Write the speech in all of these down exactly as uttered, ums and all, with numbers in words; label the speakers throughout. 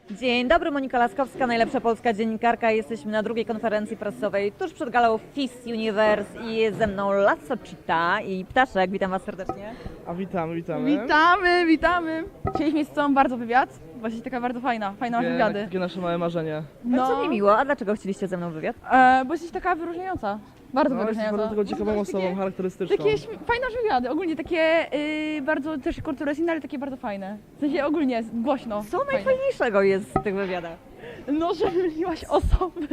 Speaker 1: Dzień dobry, Monika Laskowska, najlepsza polska dziennikarka. Jesteśmy na drugiej konferencji prasowej tuż przed galą Fist Universe i jest ze mną Lasso Cheetah i Ptaszek. Witam Was serdecznie.
Speaker 2: A witamy, witamy.
Speaker 3: Witamy, witamy. Chcieliśmy mieć z Tobą bardzo wywiad. Właśnie taka bardzo fajna, fajna masz
Speaker 2: Takie,
Speaker 3: wywiady.
Speaker 2: takie nasze małe marzenie.
Speaker 1: No. Co mi miło, a dlaczego chcieliście ze mną wywiad?
Speaker 3: e, bo jesteś taka wyróżniająca. Bardzo
Speaker 2: No, jesteś
Speaker 3: wyróżniająca.
Speaker 2: bardzo taką ciekawą
Speaker 3: Masz
Speaker 2: osobą,
Speaker 3: takie,
Speaker 2: charakterystyczną.
Speaker 3: takie śm- fajne masz wywiady, ogólnie takie y, bardzo też kulturystyjne, ale takie bardzo fajne. W sensie ogólnie głośno.
Speaker 1: Co
Speaker 3: fajnie.
Speaker 1: najfajniejszego jest w tych wywiadach?
Speaker 3: No, że myliłaś osoby.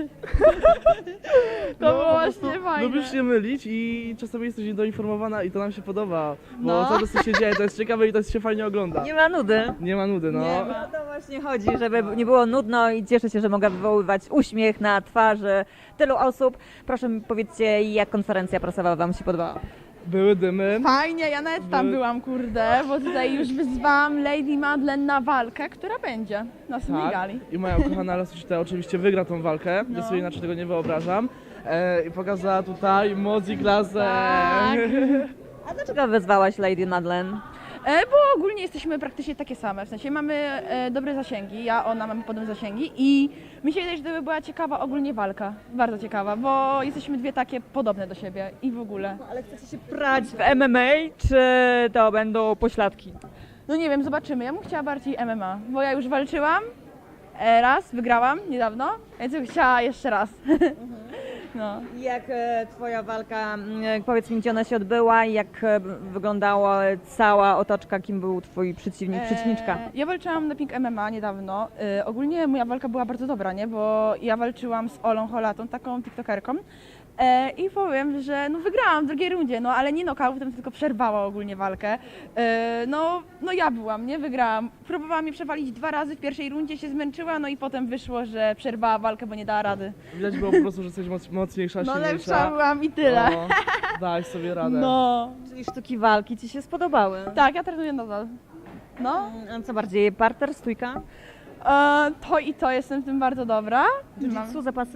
Speaker 3: To
Speaker 2: No,
Speaker 3: było
Speaker 2: po
Speaker 3: właśnie
Speaker 2: prostu
Speaker 3: fajne.
Speaker 2: Lubisz się mylić i czasami jesteś niedoinformowana i to nam się podoba. Bo
Speaker 3: No.
Speaker 2: cały czas co się dzieje, to jest ciekawe i to się fajnie ogląda.
Speaker 1: Nie ma nudy.
Speaker 2: Nie ma nudy, no.
Speaker 3: Nie ma.
Speaker 1: O to właśnie chodzi, żeby nie było nudno i cieszę się, że mogę wywoływać uśmiech na twarzy tylu osób. Proszę mi powiedzcie, jak konferencja prasowa Wam się podobała?
Speaker 2: Były dymy.
Speaker 3: Fajnie, ja nawet tam
Speaker 2: Były-
Speaker 3: byłam, kurde, bo tutaj już wyzwałam Lady Madeleine na walkę, która będzie na następnej gali.
Speaker 2: Tak. I moja ukochana Lasso Cheetah oczywiście wygra tą walkę.
Speaker 3: No.
Speaker 2: Ja sobie inaczej tego nie wyobrażam. E, I pokazała tutaj moc i klasę.
Speaker 3: Tak.
Speaker 1: A dlaczego wezwałaś Lady Madeleine?
Speaker 3: E, bo ogólnie jesteśmy praktycznie takie same, w sensie mamy e, dobre zasięgi, ja, ona mamy podobne zasięgi i mi się wydaje, że to by była ciekawa ogólnie walka, bardzo ciekawa, bo jesteśmy dwie takie podobne do siebie i w ogóle.
Speaker 1: Ale chcecie się prać w M M A, czy to będą pośladki?
Speaker 3: No nie wiem, zobaczymy, ja bym chciała bardziej M M A, bo ja już walczyłam e, raz, wygrałam niedawno, więc bym chciała jeszcze raz. No.
Speaker 1: Jak e, Twoja walka, m, powiedz mi, gdzie ona się odbyła i jak e, wyglądała cała otoczka, kim był Twój przeciwnik, przeciwniczka?
Speaker 3: E, Ja walczyłam na Pink M M A niedawno. E, ogólnie moja walka była bardzo dobra, nie? Bo ja walczyłam z Olą Holatą, taką tiktokerką. E, I powiem, że no wygrałam w drugiej rundzie, no ale nie knockoutem, tylko przerwała ogólnie walkę. E, no, no ja byłam, nie? Wygrałam. Próbowała mnie przewalić dwa razy w pierwszej rundzie, się zmęczyła, no i potem wyszło, że przerwała walkę, bo nie dała rady.
Speaker 2: Widać było po prostu, że jesteś moc, mocniejsza,
Speaker 3: No
Speaker 2: silniejsza.
Speaker 3: lepsza byłam i tyle.
Speaker 2: No, daj sobie radę.
Speaker 3: No.
Speaker 1: Czyli sztuki walki Ci się spodobały?
Speaker 3: Tak, ja trenuję nadal. No.
Speaker 1: A co bardziej, parter, stójka?
Speaker 3: E, to i to jestem w tym bardzo dobra. Mam-
Speaker 1: Jiu-jitsu, zapasy?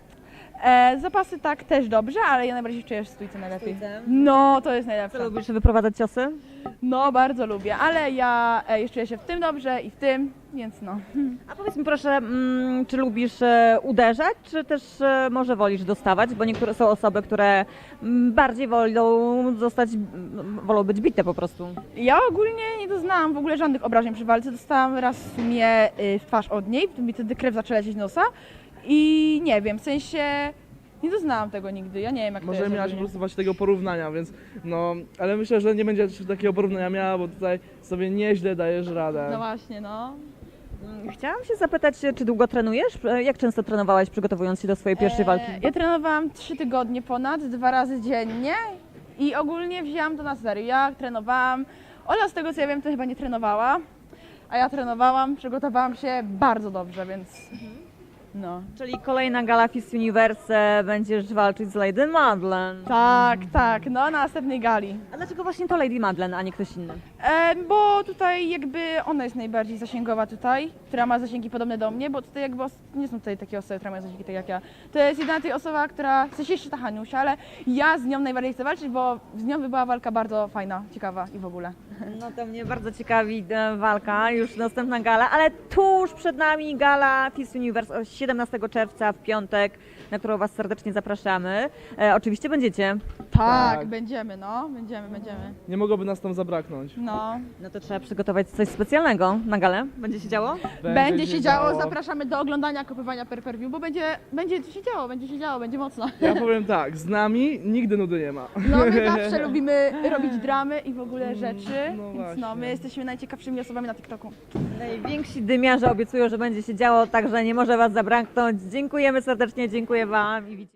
Speaker 3: E, zapasy tak też dobrze, ale ja najbardziej czuję w stójce najlepiej.
Speaker 1: Stójce?
Speaker 3: No, to jest
Speaker 1: Co
Speaker 3: najlepsze.
Speaker 1: lubisz wyprowadzać ciosy?
Speaker 3: No, bardzo lubię, ale ja e, już czuję się w tym dobrze i w tym, więc no.
Speaker 1: A powiedz mi proszę, mm, czy lubisz e, uderzać, czy też e, może wolisz dostawać? Bo niektóre są osoby, które mm, bardziej wolą zostać, mm, wolą być bite po prostu.
Speaker 3: Ja ogólnie nie doznałam w ogóle żadnych obrażeń przy walce. Dostałam raz w sumie y, w twarz od niej, mi wtedy krew zaczęła lecieć z nosa i nie wiem, w sensie nie doznałam tego nigdy, ja nie wiem jak
Speaker 2: Może
Speaker 3: to jest
Speaker 2: miałaś po
Speaker 3: ogólnie.
Speaker 2: prostu właśnie tego porównania, więc no, ale myślę, że nie będzie takiego porównania miała, bo tutaj sobie nieźle dajesz radę.
Speaker 3: No właśnie, no.
Speaker 1: Mm, Chciałam się zapytać, czy długo trenujesz? E, Jak często trenowałaś przygotowując się do swojej pierwszej walki?
Speaker 3: E, Ja trenowałam trzy tygodnie ponad, dwa razy dziennie i ogólnie wzięłam to na serio. Ja trenowałam, Ola z tego co ja wiem to chyba nie trenowała, a ja trenowałam, przygotowałam się bardzo dobrze, więc no.
Speaker 1: Czyli kolejna gala Fist Universe, będziesz walczyć z Lady Madeleine.
Speaker 3: Tak, tak, no na następnej gali.
Speaker 1: A dlaczego właśnie to Lady Madeleine, a nie ktoś inny?
Speaker 3: E, bo tutaj jakby ona jest najbardziej zasięgowa tutaj, która ma zasięgi podobne do mnie, bo tutaj jakby os- nie są tutaj takie osoby, które mają zasięgi tak jak ja. To jest jedyna tej osoba, która, w sensie jeszcze ta Haniusia, ale ja z nią najbardziej chcę walczyć, bo z nią by była walka bardzo fajna, ciekawa i w ogóle.
Speaker 1: No to mnie bardzo ciekawi e, walka, już następna gala, ale tuż przed nami gala Fist Universe o siedemnastego czerwca w piątek, na którą Was serdecznie zapraszamy. E, oczywiście będziecie.
Speaker 3: Tak,
Speaker 2: Tak.
Speaker 3: będziemy, no, będziemy, będziemy.
Speaker 2: Nie mogłoby nas tam zabraknąć.
Speaker 3: No.
Speaker 1: No to trzeba przygotować coś specjalnego na galę. Będzie się działo?
Speaker 3: Będzie, się działo, zapraszamy do oglądania kopywania per per view, bo będzie, będzie się działo, będzie się działo, będzie mocno.
Speaker 2: Ja powiem tak, z nami nigdy nudy nie ma.
Speaker 3: No my zawsze lubimy robić dramy i w ogóle rzeczy,
Speaker 2: no
Speaker 3: więc no,
Speaker 2: właśnie.
Speaker 3: my jesteśmy najciekawszymi osobami na TikToku.
Speaker 1: Najwięksi dymiarze obiecują, że będzie się działo, także nie może Was zabraknąć. Dziękujemy serdecznie, dziękuję Wam i widzimy.